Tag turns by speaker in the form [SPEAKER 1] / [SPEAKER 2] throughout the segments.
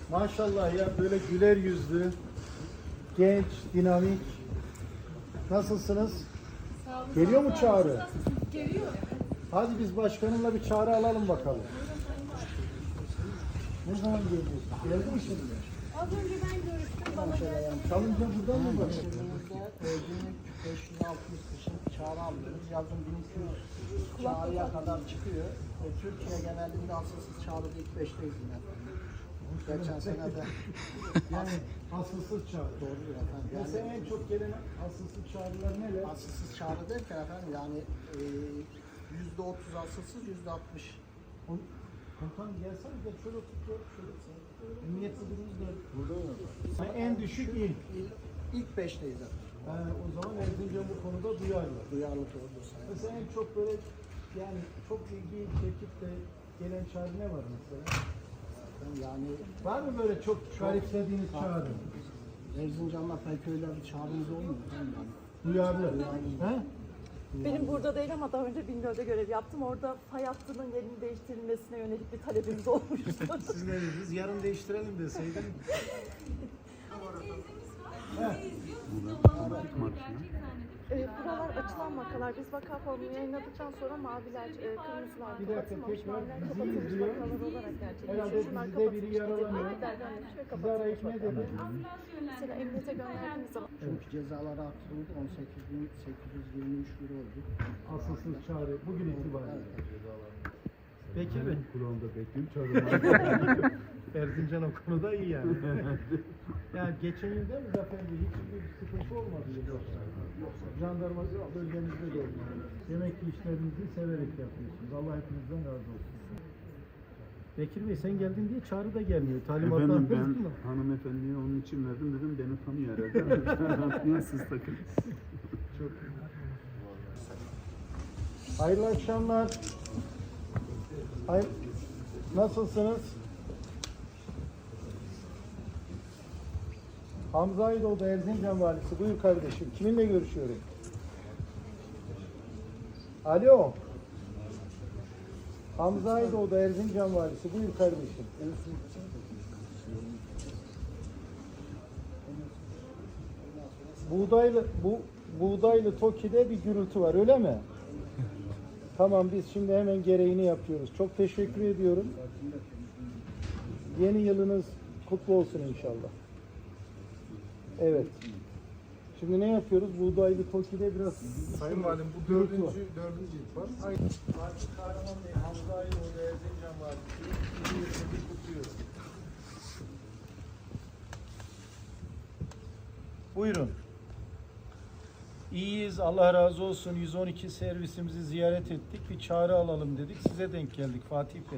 [SPEAKER 1] Maşallah ya, böyle güler yüzlü, genç, dinamik. Nasılsınız?
[SPEAKER 2] Sağ olun.
[SPEAKER 1] Geliyor mu çağrı?
[SPEAKER 2] Nasılsınız? Geliyor.
[SPEAKER 1] Hadi biz başkanımla bir çağrı alalım bakalım. Ne zaman geleceksin? Geldi mi şimdi?
[SPEAKER 2] Az önce ben görüştüm. Bana geldi.
[SPEAKER 1] Çalınca buradan mı bakın?
[SPEAKER 3] Günlük 560 kişi çağrı alıyoruz. Yazın 1200 çağrıya kadar çıkıyor. Türkiye genelinde asılsız çağrıda ilk 5'teyiz yine. Geçen sene de
[SPEAKER 1] Yani asılsız çağrı.
[SPEAKER 3] doğrudur efendim.
[SPEAKER 1] Mesela
[SPEAKER 3] Yani
[SPEAKER 1] en çok gelen asılsız çağrılar neler?
[SPEAKER 3] asılsız çağrı derken efendim yani %30 asılsız, %60.
[SPEAKER 1] Komutanım gelsene de şöyle otur. Emniyet müdürümüz de burada mı? En düşük il.
[SPEAKER 3] İlk 5'teyiz efendim.
[SPEAKER 1] O zaman Erzincan bu konuda duyarlı.
[SPEAKER 3] Duyarlı doğrudur sayın.
[SPEAKER 1] Mesela en çok böyle yani çok ilgi çekip de gelen çağrı ne var mesela?
[SPEAKER 3] Yani
[SPEAKER 1] Var mı böyle çok garipsediğiniz çağrı?
[SPEAKER 3] Erzincan'la pek öyle bir çağrımız olmuyor efendim yani.
[SPEAKER 1] Duyarlı. He?
[SPEAKER 4] Benim burada değil ama daha önce Bingöl'de görev yaptım. Orada fay hattının yerinin değiştirilmesine yönelik bir talebimiz olmuştu.
[SPEAKER 1] Siz ne dediniz? Yarın değiştirelim deseydin.
[SPEAKER 4] Buralar açılan vakalar. Biz vaka formunu yayınladıktan sonra maviler, kırmızılar,
[SPEAKER 1] Bir dakika,
[SPEAKER 4] kapatılmamış,
[SPEAKER 1] tekrar
[SPEAKER 4] maviler
[SPEAKER 1] bizi
[SPEAKER 4] kapatılmış
[SPEAKER 1] izliyor.
[SPEAKER 4] vakalar olarak
[SPEAKER 1] Herhalde
[SPEAKER 4] gerçekleşiyor. Şunlar
[SPEAKER 1] bizde biri
[SPEAKER 4] kapatılmış,
[SPEAKER 1] yaralanıyor.
[SPEAKER 4] maviler dönmüş ve
[SPEAKER 1] Sizi arayıp
[SPEAKER 4] kapatılmış
[SPEAKER 1] ne
[SPEAKER 4] vakalar.
[SPEAKER 1] dedi?
[SPEAKER 4] Mesela emniyete gönderdiğimiz zaman
[SPEAKER 3] Çünkü cezaları arttırıldı. 18.823 lira oldu.
[SPEAKER 1] Asılsız çağrı bugün itibariyle.
[SPEAKER 5] Bekir Bey.
[SPEAKER 1] Kulağımda bekliyorum çağrı. Erzincan o konuda iyi yani. Yani geçen yıl değil mi Zafer Bey? Hiçbir sıkıntı olmadı yılbaşında. Jandarma bölgemizde de olmadı. Demek ki işlerinizi severek yapıyorsunuz. Allah hepinizden razı olsun. Bekir Bey sen geldin diye çağrı da gelmiyor. Talimatlar
[SPEAKER 5] Efendim ben
[SPEAKER 1] aldınız mı?
[SPEAKER 5] hanımefendiye onun için verdim dedim beni tanıyor herhalde. Siz takın.
[SPEAKER 1] Çok iyi. Hayırlı akşamlar. Nasılsınız? Hamza Aydoğdu Erzincan Valisi. Buyur kardeşim. Kiminle görüşüyorum? Alo. Hamza Aydoğdu Erzincan Valisi. Buyur kardeşim. Buğdaylı Toki'de bir gürültü var, öyle mi? Tamam, biz şimdi hemen gereğini yapıyoruz. Çok teşekkür ediyorum. Yeni yılınız kutlu olsun inşallah. Evet. Şimdi ne yapıyoruz? Buğdaylı Toki'de biraz...
[SPEAKER 6] Sayın Valim bu
[SPEAKER 1] gürültü var.
[SPEAKER 6] dördüncü ilk var.
[SPEAKER 1] Fatih Kahraman Bey, Hamza Aydoğdu Erzincan Valisi. Yeni yılınızı kutluyorum. Buyurun. İyiyiz, Allah razı olsun. 112 servisimizi ziyaret ettik. Bir çağrı alalım dedik. Size denk geldik Fatih Bey.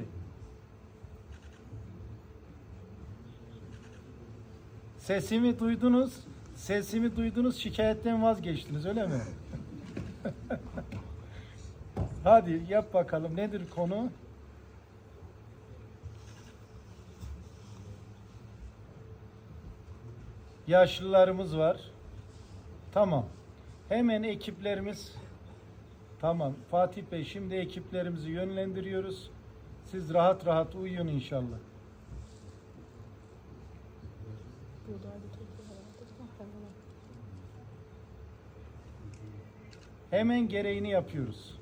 [SPEAKER 1] Sesimi duydunuz. Sesimi duydunuz, şikayetten vazgeçtiniz, öyle mi? Hadi yap bakalım. Nedir konu? Yaşlılarımız var. Tamam. Hemen ekiplerimiz, tamam Fatih Bey, şimdi ekiplerimizi yönlendiriyoruz. Siz rahat rahat uyuyun inşallah. Hemen gereğini yapıyoruz.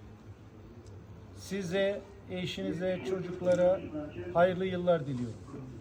[SPEAKER 1] Size, eşinize, çocuklara hayırlı yıllar diliyorum.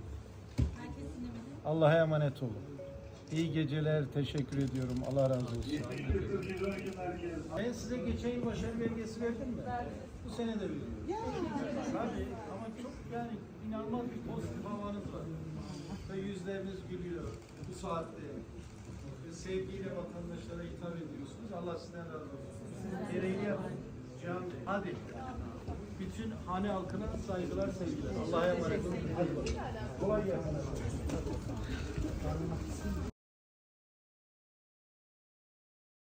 [SPEAKER 1] Allah'a emanet olun. İyi geceler, teşekkür ediyorum. Allah razı olsun. Ben size geçen yıl başarı belgesi verdim mi? Bu sene de veriyorum. Tabii ama çok yani inanılmaz bir pozitif havanız var. Ve yüzleriniz gülüyor bu saatte. Ve sevgiyle vatandaşlara hitap ediyorsunuz. Allah sizden razı olsun. Gereğini yapın. Can, hadi. Bütün hane halkına saygılar, sevgiler. Allah'a emanet olun. Hadi bakalım. Kolay gelsin.